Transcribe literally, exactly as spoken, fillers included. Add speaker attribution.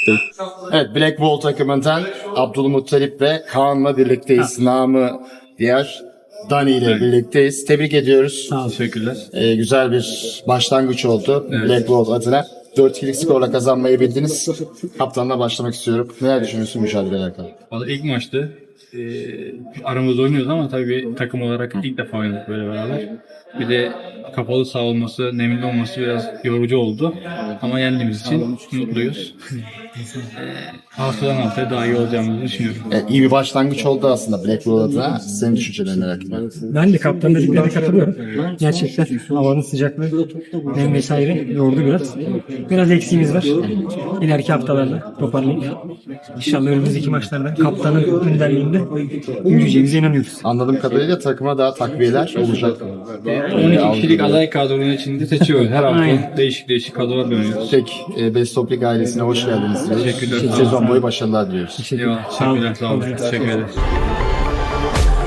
Speaker 1: Evet, Black Wall takımından Abdülmuttalip ve Kaan'la birlikteyiz. Namı diğer Dani ile birlikteyiz. Tebrik ediyoruz.
Speaker 2: Sağ ol.
Speaker 3: Teşekkürler.
Speaker 1: Ee, güzel bir başlangıç oldu Black Wall adına. dört ikilik skorla kazanmayı bildiniz. Kaptanla başlamak istiyorum. Neler düşünüyorsun mücadeleyle alakalı?
Speaker 3: Valla ilk maçtı. Ee, aramızda oynuyoruz ama tabii takım olarak ilk defa oynadık böyle beraber. Bir de kapalı saha olması, nemli olması biraz yorucu oldu. Ama yendiğimiz için mutluyuz. ee, haftadan haftaya daha iyi olacağımızı düşünüyorum.
Speaker 1: Evet, iyi bir başlangıç oldu aslında Black Wall adına. Senin düşüncelerini merak ediyorum.
Speaker 2: Ben de kaptan dediklerine katılıyorum. Gerçekten havanın sıcaklığı nem vesaire yordu biraz. Biraz eksiğimiz var. İleriki haftalarda toparlayıp İnşallah önümüzdeki maçlarda kaptanın önderliğinde yürüyeceğimize inanıyoruz.
Speaker 1: Anladığım kadarıyla takıma daha takviyeler olacak.
Speaker 3: on iki kişilik aday kadronun içinde seçiyoruz. Her hafta
Speaker 2: Aynen.
Speaker 3: değişik değişik kadrolar dönüyoruz.
Speaker 1: Tek e, Best Toplik ailesine hoş geldiniz.
Speaker 3: Teşekkürler.
Speaker 1: Sezon boyu başarılar diliyoruz.
Speaker 3: Eyvallah. Teşekkürler. Sağ olun. Teşekkür ederiz.